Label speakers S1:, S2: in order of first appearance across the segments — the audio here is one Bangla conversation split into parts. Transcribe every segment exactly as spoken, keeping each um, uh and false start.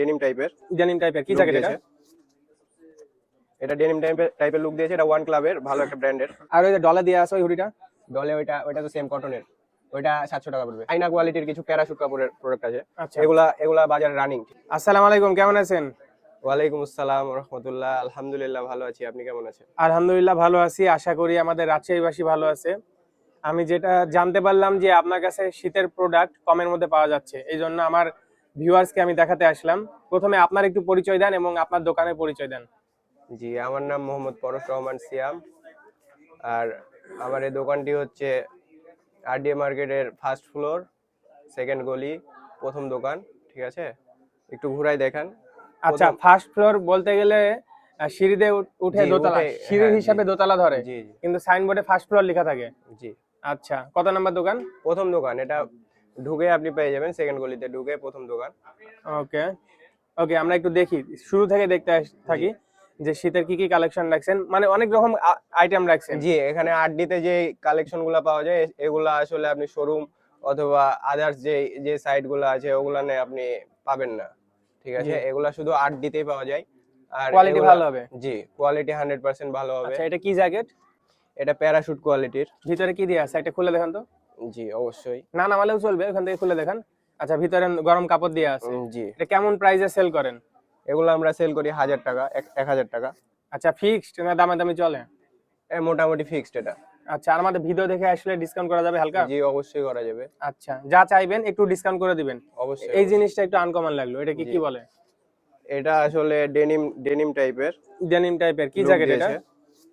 S1: ডেনিম টাইপের
S2: ডেনিম টাইপের কি জ্যাকেট এটা?
S1: এটা ডেনিম টাইপের টাইপের লুক দিয়েছে। এটা ওয়ান ক্লাবের ভালো একটা ব্র্যান্ডের।
S2: আর ওই যে ডলে দেয়া আছে ওই হুডিটা?
S1: ডলে ওইটা ওইটা তো সেম কটনের, ওইটা সাতশো টাকা পড়বে। আইনা কোয়ালিটির কিছু প্যারাশুট কাপড়ের প্রোডাক্ট আছে।
S2: আচ্ছা,
S1: এগুলা এগুলা বাজারে রানিং।
S2: আসসালামু আলাইকুম, কেমন আছেন?
S1: ওয়ালাইকুম আসসালাম ওয়া রাহমাতুল্লাহ। আলহামদুলিল্লাহ ভালো আছি, আপনি কেমন আছেন?
S2: আলহামদুলিল্লাহ ভালো আছি, আশা করি আমাদের রাজশাহীবাসী ভালো আছে। আমি যেটা জানতে পারলাম যে আপনার কাছে শীতের প্রোডাক্ট কমের মধ্যে পাওয়া যাচ্ছে, এই জন্য আমার ভিউয়ার্সকে আমি দেখাতে আসলাম। প্রথমে আপনার একটু পরিচয় দেন এবং আপনার দোকানের পরিচয় দেন।
S1: জি, আমার নাম মোহাম্মদ পরশ রহমান সিয়াম। আর আমার এই দোকানটি হচ্ছে আরডিএ মার্কেটের ফার্স্ট ফ্লোর, সেকেন্ড গলি, প্রথম দোকান। ঠিক আছে, একটু ঘুরাই দেখান।
S2: আচ্ছা, ফার্স্ট ফ্লোর বলতে গেলে আহ, সিঁড়িতে উঠ- উঠে
S1: জি,
S2: দোতলা,
S1: উঠে,
S2: সিঁড়ি
S1: হ্যাঁ,
S2: হিসাবে
S1: জি।
S2: দোতলা ধরে,
S1: জি জি
S2: কিন্তু সাইনবোর্ডে ফার্স্ট ফ্লোর লেখা থাকে।
S1: জি
S2: আচ্ছা, কত নাম্বার দোকান?
S1: প্রথম দোকান। এটা ঢুকে আপনি পেয়ে যাবেন, সেকেন্ড গলিতে ঢুকে প্রথম দোকান।
S2: ওকে ওকে, আমরা একটু দেখি, শুরু থেকে দেখতে আস- থাকি যে শীতের কি কি কালেকশন রাখছেন, মানে অনেক রকম আইটেম রাখছেন।
S1: জি, এখানে আরডিতে যে কালেকশন গুলা পাওয়া যায় এগুলা আসলে আপনি শোরুম অথবা আদার্স যে যে সাইট গুলো আছে ওগুলা নে আপনি পাবেন না। ঠিক আছে,
S2: জি।
S1: এগুলা শুধু আরডিতেই পাওয়া যায়। আর
S2: কোয়ালিটি
S1: এগুলা-
S2: ভালো হবে?
S1: জি, কোয়ালিটি হান্ড্রেড পার্সেন্ট ভালো হবে।
S2: আচ্ছা, এটা কি জ্যাকেট?
S1: এটা প্যারাশুট কোয়ালিটির।
S2: ভিতরে কি দিয়ে আছে এটা খুলে দেখান তো।
S1: জি অবশ্যই।
S2: না নামালেও চলবে, ওখান থেকে খুলে দেখান। আচ্ছা, ভিতরে গরম কাপড় দিয়ে আছে।
S1: উম, জি,
S2: এটা কেমন প্রাইসে সেল করেন?
S1: এগুলো আমরা সেল করি হাজার টাকা, এক- এক হাজার টাকা।
S2: আচ্ছা, ফিক্সড না দামে দামি চলে?
S1: এ মোটামুটি ফিক্সড এটা।
S2: আচ্ছা, আর আমাদের ভিডিও দেখে আসলে ডিসকাউন্ট করা যাবে হালকা?
S1: জি অবশ্যই করা যাবে।
S2: আচ্ছা, যা চাইবেন একটু ডিসকাউন্ট করে দিবেন।
S1: অবশ্যই
S2: এই
S1: অবশ্যই।
S2: জিনিসটা একটু আনকমন লাগলো, এটা কি
S1: জি।
S2: কি বলে?
S1: এটা আসলে ডেনিম ডেনিম টাইপের
S2: ডেনিম টাইপের কি
S1: লুক
S2: জ্যাকেট এটা?
S1: দিয়েছে।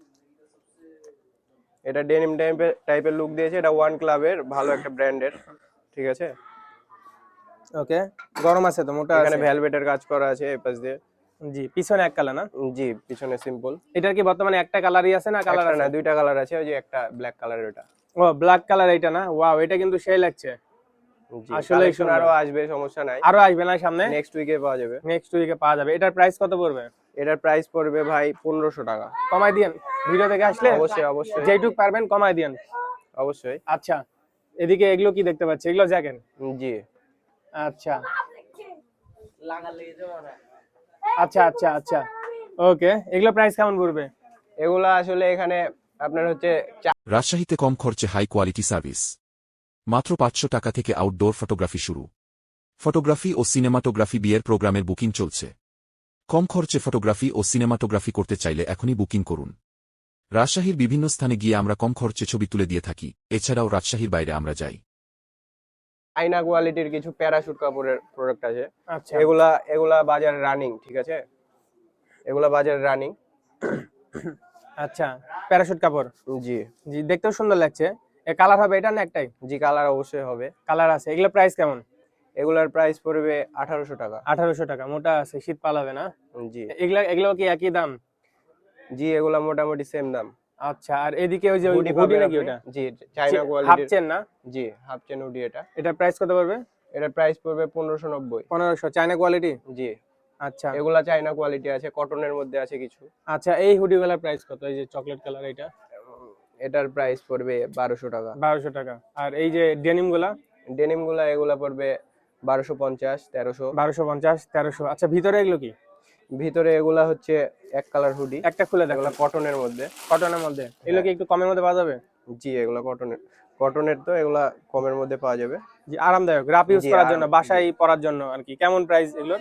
S1: এটা ডেনিম টাইপের টাইপের লুক দিয়েছে। এটা ওয়ান ক্লাবের ভালো একটা ব্র্যান্ডের। ঠিক আছে,
S2: ওকে, গরম আছে তো, মোটা
S1: এখানে
S2: আছে?
S1: ভেলভেটের কাজ করা আছে এই পাশ দিয়ে।
S2: জি, পিছনে এক কালার না?
S1: উম, জি, পিছনে সিম্পল।
S2: এটার কি বর্তমানে একটা কালারই আছে না কালার
S1: একটা
S2: আছে?
S1: না, দুইটা কালার আছে। ওই যে একটা ব্ল্যাক কালার, ওটা।
S2: ও, ব্ল্যাক কালার এটা না? ওয়াও, এটা কিন্তু সেই লাগছে।
S1: জি,
S2: আসলেই
S1: কালেকশন
S2: সুন্দর।
S1: আরো আসবে, সমস্যা নাই।
S2: আরো আসবে না সামনে?
S1: নেক্সট উইকে পাওয়া যাবে।
S2: নেক্সট উইকে পাওয়া যাবে। এটার প্রাইস কত পড়বে?
S1: এটার প্রাইস পড়বে ভাই পনেরোশো টাকা।
S2: কমাই দিয়েন, ভিডিও থেকে আসলে
S1: অবশ্যই অবশ্যই
S2: যেটুক পারবেন কমাই দিয়েন।
S1: অবশ্যই।
S2: আচ্ছা, এদিকে এগুলো কি দেখতে পাচ্ছি, এগুলো জ্যাকেট?
S1: উম, জি,
S2: আচ্ছা আচ্ছা আচ্ছা আচ্ছা, ওকে, এগুলো প্রাইস কেমন পড়বে?
S1: এগুলা আসলে এখানে আপনার হচ্ছে
S3: রাজশাহীতে কম খরচে হাই কোয়ালিটি সার্ভিস। মাত্র পাঁচশো টাকা থেকে আউটডোর ফটোগ্রাফি শুরু। ফটোগ্রাফি ও সিনেমাটোগ্রাফি বিয়ের প্রোগ্রামের বুকিং চলছে। কম খরচে ফটোগ্রাফি ও সিনেমাটোগ্রাফি করতে চাইলে এখনই বুকিং করুন। রাজশাহীর বিভিন্ন স্থানে গিয়ে আমরা কম খরচে ছবি তুলে দিয়ে থাকি, এছাড়াও রাজশাহীর বাইরে আমরা যাই।
S1: আইনা কোয়ালিটির কিছু প্যারাশুট কাপড়ের প্রোডাক্ট আছে।
S2: আচ্ছা,
S1: এগুলা এগুলা বাজারে রানিং। ঠিক আছে, এগুলা বাজারে রানিং।
S2: আচ্ছা, প্যারাশুট কাপড়।
S1: জি
S2: জি, দেখতেও সুন্দর লাগছে। এ কালার হবে এটা না একটাই?
S1: জি, কালার অবশ্যই হবে।
S2: কালার আছে। এগুলো প্রাইস কেমন?
S1: এগুলার প্রাইস পড়বে আঠারোশো টাকা।
S2: আঠারোশো টাকা, মোটা আছে, শীত পালাবে না?
S1: জি
S2: এগুলা এগুলো কি একই দাম?
S1: জি, এগুলা মোটামুটি সেম দাম।
S2: আচ্ছা, আর এদিকে ওই যে
S1: হুডি
S2: হুডি
S1: পাবেন
S2: নাকি
S1: আপনি।
S2: ওটা?
S1: জি, চাইনা
S2: হাফ
S1: কোয়ালিটির।
S2: চেন না?
S1: জি, হাফ চেন হুডি এটা।
S2: এটা প্রাইস কত পড়বে?
S1: এটার প্রাইস পড়বে পনেরোশো নব্বই।
S2: পনেরোশো, চায়না কোয়ালিটি?
S1: জি,
S2: আচ্ছা
S1: এগুলা চাইনা কোয়ালিটি আছে, কটনের মধ্যে আছে কিছু।
S2: আচ্ছা, এই হুডিগুলোর প্রাইস কত? এই যে চকলেট কালার এটা?
S1: উম, এটার প্রাইস পড়বে বারোশো টাকা।
S2: বারোশো টাকা। আর এই যে ডেনিম গুলা?
S1: ডেনিম গুলা এগুলা পড়বে বারোশো পঞ্চাশ, তেরোশো।
S2: বারোশো পঞ্চাশ, তেরোশো। আচ্ছা, ভিতরে এগুলো কি?
S1: ভিতরে এগুলা হচ্ছে এক কালার হুডি।
S2: একটা খুলে দেখো,
S1: এগুলা কটনের মধ্যে।
S2: কটনের মধ্যে। এগুলো কি একটু কমের মধ্যে পাওয়া যাবে?
S1: জি, এগুলা কটনের কটনের তো এগুলা কমের মধ্যে পাওয়া যাবে।
S2: জি, আরামদায়ক, রাফ ইউজ
S1: জি,
S2: করার
S1: আরাম-
S2: জন্য, বাসায় পরার জন্য আর কি। কেমন প্রাইস এগুলোর?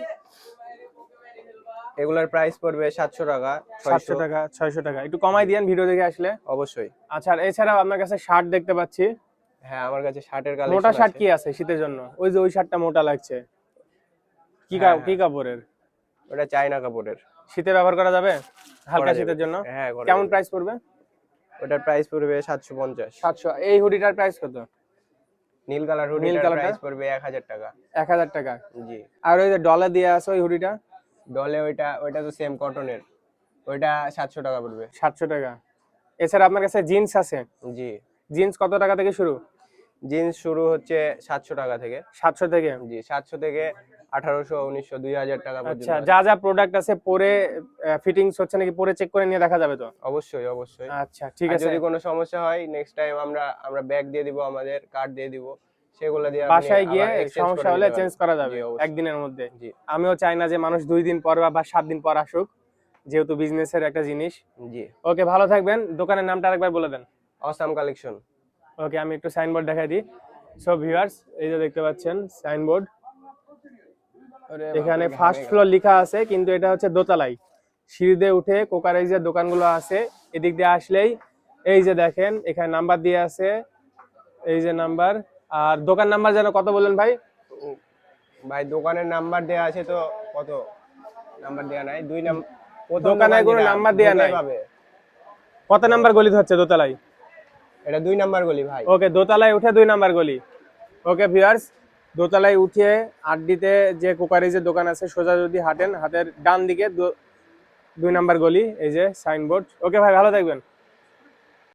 S1: এগুলার প্রাইস পড়বে সাতশো টাকা,
S2: সাতশো
S1: ছয়শো।
S2: টাকা, ছয়শো টাকা। একটু কমাই দিয়েন ভিডিও দেখে আসলে।
S1: অবশ্যই।
S2: আচ্ছা, আর এছাড়াও আপনার কাছে শার্ট দেখতে পাচ্ছি।
S1: হ্যাঁ, আমার কাছে শার্টের
S2: মোটা
S1: কালেকশন
S2: শার্ট
S1: আছে।
S2: কি আছে শীতের জন্য? ওই যে ওই শার্টটা মোটা লাগছে, কি
S1: হ্যাঁ,
S2: কা- কি কাপড়ের?
S1: ওটা চাইনা কাপড়ের।
S2: শীতে ব্যবহার করা যাবে, হালকা
S1: করা যাবে।
S2: শীতের জন্য?
S1: হ্যাঁ, করা
S2: কেমন
S1: যাবে।
S2: প্রাইস পড়বে?
S1: ওটার প্রাইস পড়বে সাতশো পঞ্চাশ।
S2: সাতশো। এই হুডিটার প্রাইস কত?
S1: নীল কালার
S2: নীল
S1: হুডিটার
S2: কালারটা?
S1: প্রাইস পড়বে এক হাজার টাকা।
S2: এক হাজার টাকা।
S1: জি,
S2: আর ওই যে ডলার দিয়ে আছে ওই হুডিটা?
S1: ডলে ওইটা ওইটা তো সেম কটনের, ওইটা সাতশো টাকা পড়বে।
S2: সাতশো টাকা। এছাড়া আপনার কাছে জিন্স আছে?
S1: জি,
S2: জিন্স কত টাকা থেকে শুরু?
S1: জিন্স শুরু হচ্ছে সাতশো টাকা থেকে।
S2: সাতশো থেকে?
S1: জি, সাতশো থেকে আঠারোশো, উনিশশো, দুই হাজার টাকা পর্যন্ত
S2: আচ্ছা,
S1: আছে।
S2: যা যা প্রোডাক্ট আছে পরে ফিটিংস হচ্ছে নাকি, পরে চেক করে নিয়ে দেখা যাবে তো?
S1: অবশ্যই অবশ্যই।
S2: আচ্ছা, ঠিক
S1: আর
S2: আছে।
S1: যদি কোনো সমস্যা হয় নেক্সট টাইম আমরা আমরা ব্যাগ দিয়ে দিব, আমাদের কার্ড দিয়ে দিব, সেগুলো দিয়ে আপনি
S2: বাসায় গিয়ে
S1: আবার exchange
S2: সমস্যা
S1: করে
S2: হলে
S1: নিতে
S2: চেঞ্জ
S1: পারবেন।
S2: করা
S1: জি,
S2: যাবে
S1: অবশ্যই।
S2: একদিনের মধ্যে।
S1: জি
S2: আমিও চাই না যে মানুষ দুই দিন পর বা সাত দিন পর আসুক, যেহেতু বিজনেসের একটা জিনিস।
S1: জি।
S2: ওকে, ভালো থাকবেন। দোকানের নামটা আরেকবার বলে দেন।
S1: Awesome collection.
S2: ওকে, আমি একটু সাইনবোর্ড দেখাই দিই। সো ভিউয়ার্স, এই যে দেখতে পাচ্ছেন সাইনবোর্ড, এখানে ফার্স্ট ফ্লোর লেখা আছে, কিন্তু এটা হচ্ছে দোতলায়। সিঁড়িতে উঠে কোকারাইজের দোকানগুলো আছে, এদিক দিয়ে আসলেই এই যে দেখেন এখানে নাম্বার দিয়ে আছে, এই যে নাম্বার। আর দোকান নাম্বার যেন কত বললেন ভাই?
S1: ভাই দোকানের নাম্বার দেয়া আছে তো, কত নাম্বার দেয়া নাই, দুই নাম্বার।
S2: দোকানে কোনো নাম্বার দেয়া নাই। কত নাম্বার গলি হচ্ছে দোতলায়?
S1: এটা দুই নাম্বার গলি ভাই।
S2: ওকে, দোতলায় উঠে দুই নাম্বার গলি। ওকে ভিউয়ার্স, দোতলায় উঠে আড্ডিতে যে কোকারিজের দোকান আছে, সোজা যদি হাঁটেন, হাতের ডান দিকে দু- দুই নাম্বার গলি, এই যে সাইনবোর্ড। ওকে ভাই, ভালো থাকবেন।